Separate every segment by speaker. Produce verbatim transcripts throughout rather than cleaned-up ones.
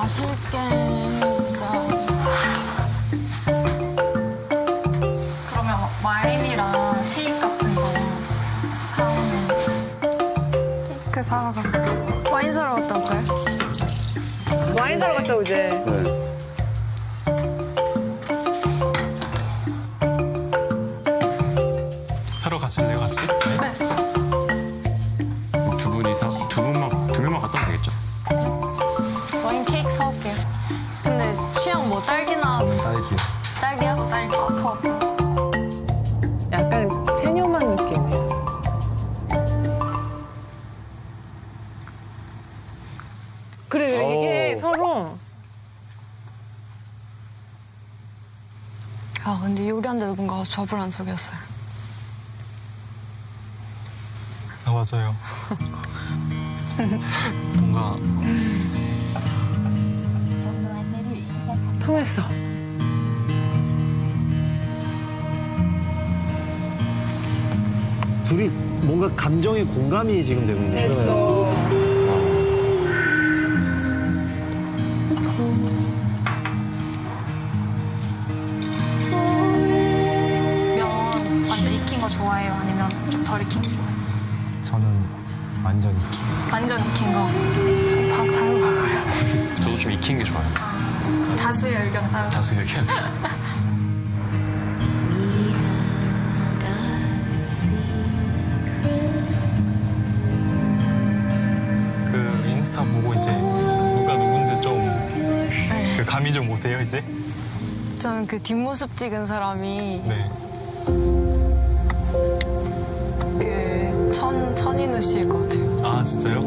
Speaker 1: 마실 게 진짜. 그러면 와인이랑 케이크 같은 거 사오면.
Speaker 2: 케이크 사러 갈까? 와인 사러 갔다 올까요?
Speaker 3: 와인 사러 갔다 오지.
Speaker 4: 네.
Speaker 5: 사러 가실래요, 같이? 네.
Speaker 1: 네.
Speaker 4: 두 분이 사, 두 분만, 두 명만 갔다 오면 되겠죠?
Speaker 1: 와인 케이크 사올게요. 근데 취향 뭐 딸기나
Speaker 5: 딸기요.
Speaker 1: 딸기야? 딸기. 아, 저.
Speaker 3: 약간 체념한 느낌이야. 그래, 이게
Speaker 4: 오.
Speaker 3: 서로
Speaker 1: 아 근데 요리하는데도 뭔가 저불안석이었어요.
Speaker 5: 아, 맞아요. 뭔가
Speaker 3: 통했어.
Speaker 6: 둘이 뭔가 감정의 공감이 지금 되고 있는 거예요.
Speaker 3: 됐어.
Speaker 1: 면 완전 익힌 거 좋아해요? 아니면 좀 덜 익힌 거 좋아해요?
Speaker 5: 저는 완전 익힌.
Speaker 1: 완전 익힌 거.
Speaker 2: 밥잘 먹어요.
Speaker 4: 저도 좀 익힌 게 좋아요.
Speaker 1: 다수의 의견 따르죠.
Speaker 4: 다수 의견.
Speaker 5: 그 인스타 보고 이제 누가 누군지 좀 그
Speaker 1: 네.
Speaker 5: 감이 좀 오세요, 이제?
Speaker 1: 저는 그 뒷모습 찍은 사람이
Speaker 5: 네.
Speaker 1: 그 천, 천인우 씨일 것 같아요.
Speaker 5: 아, 진짜요?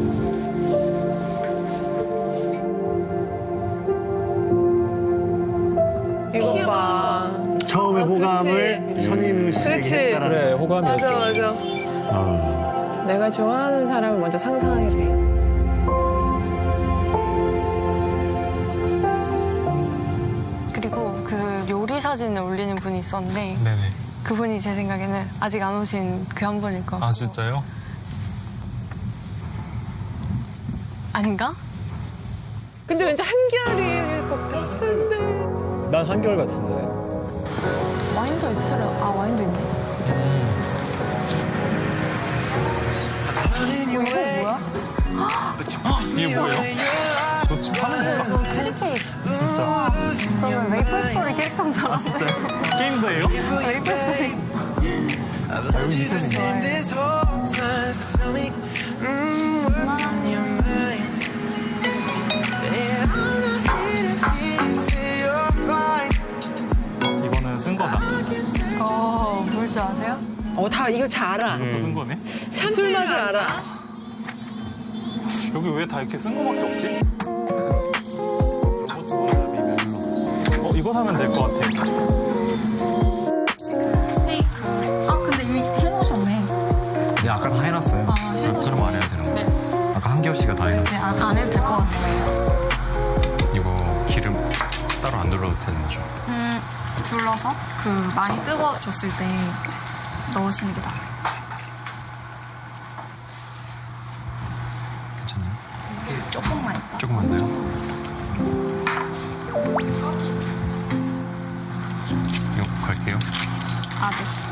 Speaker 3: 이거 봐.
Speaker 6: 처음에
Speaker 3: 아,
Speaker 6: 호감을
Speaker 3: 그렇지.
Speaker 6: 천인우 씨에게
Speaker 3: 그렇지.
Speaker 6: 했다라는
Speaker 7: 그래,
Speaker 6: 거.
Speaker 7: 호감이었어.
Speaker 3: 맞아, 맞아.
Speaker 6: 아,
Speaker 3: 내가 좋아하는 사람을 먼저 상상하게 돼.
Speaker 1: 그리고 그 요리 사진을 올리는 분이 있었는데
Speaker 5: 네네.
Speaker 1: 그분이 제 생각에는 아직 안 오신 그 한 분일 것 같고.
Speaker 5: 아, 진짜요?
Speaker 1: 아닌가?
Speaker 3: 근데 왠지 한결일 것 같은데.
Speaker 7: 난 한결 같은데.
Speaker 1: 와인도 있으려. 아 와인도 있네.
Speaker 5: 이게 뭐예요? 저 지금 하는 건가?
Speaker 1: 이거 크림 케이크.
Speaker 5: 진짜.
Speaker 1: 저는 메이플 스토리 캐릭터인 줄 알았어요.
Speaker 5: 진짜요? 게임도 해요?
Speaker 1: 메이플 스토리.
Speaker 5: 이거는 쓴 거다.
Speaker 1: 어, 뭘 줄 아세요?
Speaker 3: 어, 다 이거 잘 알아.
Speaker 5: 이것도 쓴 거네?
Speaker 3: 술 맛을 알아.
Speaker 5: 여기 왜 다 이렇게 쓴 거밖에 없지? 어, 이거 사면 될 것 같아.
Speaker 1: 스테이크. 아, 근데 이미 해놓으셨네.
Speaker 4: 네, 아까 다 해놨어요.
Speaker 1: 아,
Speaker 4: 그럼
Speaker 1: 해놓으셨네.
Speaker 4: 그럼 안 해도 되는 거.
Speaker 1: 네.
Speaker 4: 아까 한결 씨가 다
Speaker 1: 네,
Speaker 4: 해놨어요.
Speaker 1: 안, 안 해도 될 것 같아요.
Speaker 4: 이거 기름 따로 안 둘러도 되는 거죠?
Speaker 1: 음, 둘러서 그 많이 뜨거워졌을 때 넣으시는 게 나아요.
Speaker 4: 괜찮나요?
Speaker 1: 조금만 있다.
Speaker 4: 조금만 더요? 이거 갈게요.
Speaker 1: 아,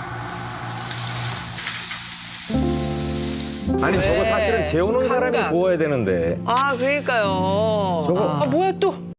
Speaker 1: 네.
Speaker 7: 아니, 저거 사실은 재우는 사람이
Speaker 3: 감각.
Speaker 7: 구워야 되는데.
Speaker 3: 아, 그러니까요.
Speaker 7: 저거-
Speaker 3: 아, 뭐야 또.